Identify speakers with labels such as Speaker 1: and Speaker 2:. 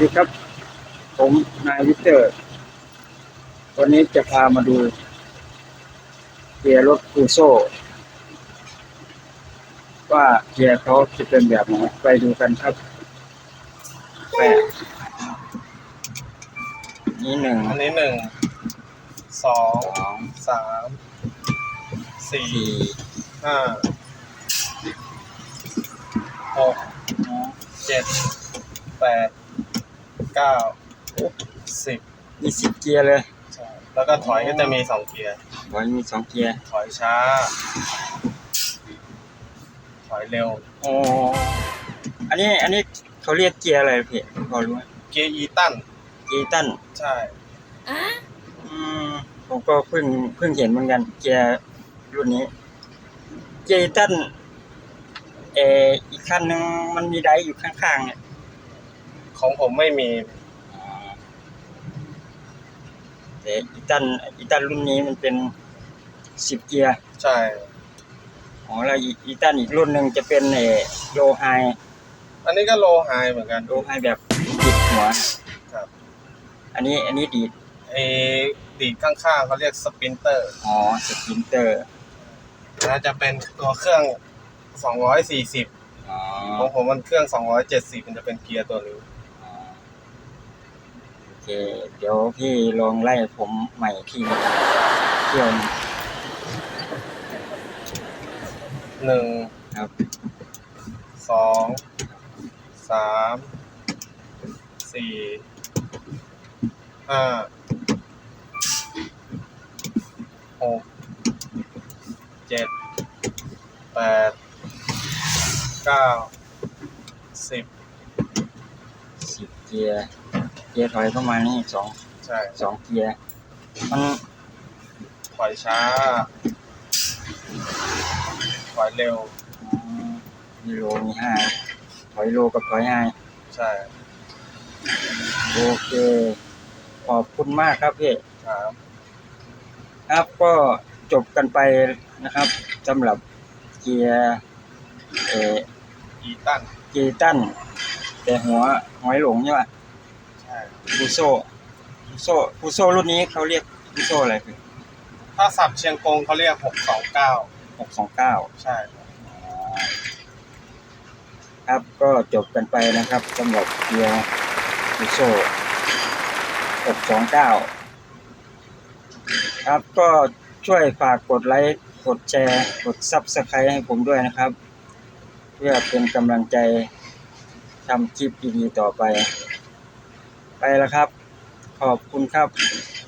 Speaker 1: ดีครับผมนายวิเตอร์วันนี้จะพามาดูเกียร์รถคูโซ่ว่าเกียร์เขาจะเป็นแบบไหนไปดูกันครับแปดนี่หนึ่ง
Speaker 2: อันนี้1 2 3 4 5 6 7 8 9 10
Speaker 1: มี10เกียร์เลย
Speaker 2: ใช่แล้วก็ถอยก็จะมี2เกียร์
Speaker 1: มี2เกียร์
Speaker 2: ถอยช้าถอยเร็ว
Speaker 1: อ๋ออันนี้เขาเรียกเกียร์อะไรพี่พอรู้ไหม
Speaker 2: เกียร์อีตันใช่
Speaker 1: ผมก็เพิ่งเห็นเหมือนกันเกียร์รุ่นนี้เกียร์อีตันอีกคันนึงมันมีไดร์อยู่ข้างๆเนี่ย
Speaker 2: ของผมไม่มี
Speaker 1: แต่อีตันรุ่นนี้มันเป็น10เกียร์
Speaker 2: ใช่
Speaker 1: แล้วอีตันอีกรุ่นหนึ่งจะเป็นโลไฮ
Speaker 2: อันนี้ก็โลไฮเหมือนกัน
Speaker 1: โลไฮแบบดิดหัว
Speaker 2: ครับ
Speaker 1: อันนี้ดีด
Speaker 2: ดีดข้างๆเขาเรียกสปรินเตอร์
Speaker 1: สปรินเตอร์
Speaker 2: แล้วจะเป็นตัวเครื่อง240ของผมมันเครื่อง270มันจะเป็นเกียร์ตัวนี้
Speaker 1: โอเคเดี๋ยวพี่ลองไล่ผมใหม่ที่เที่ยว
Speaker 2: 1
Speaker 1: ครับ
Speaker 2: 2 3 4 5 6 7 8 9 10
Speaker 1: เกียร์ถอยเข้ามานี่
Speaker 2: ใช่
Speaker 1: 2เกียร์มัน
Speaker 2: ถอยช้าถอยเร็ว
Speaker 1: มีโลมี5ถอยโลกับถอย5
Speaker 2: ใช่
Speaker 1: โอเคขอบคุณมากครับพี่
Speaker 2: ครับ
Speaker 1: ก็จบกันไปนะครับสำหรับเกียร์
Speaker 2: อีตัน
Speaker 1: แต่หัวหอยหลงใช่ป่ะ
Speaker 2: ใช่
Speaker 1: คูโซ่รุ่นนี้เขาเรียกคูโซ่อะไรคือ
Speaker 2: ถ้าสับเชียงกงเขาเรียก629
Speaker 1: ใ
Speaker 2: ช่
Speaker 1: ครับก็จบกันไปนะครับสำหรับเกียร์คูโซ่629ครับก็ช่วยฝากกดไลค์กดแชร์กด Subscribe ให้ผมด้วยนะครับเพื่อเป็นกำลังใจทำคลิปดีๆต่อไปแล้วครับขอบคุณครับ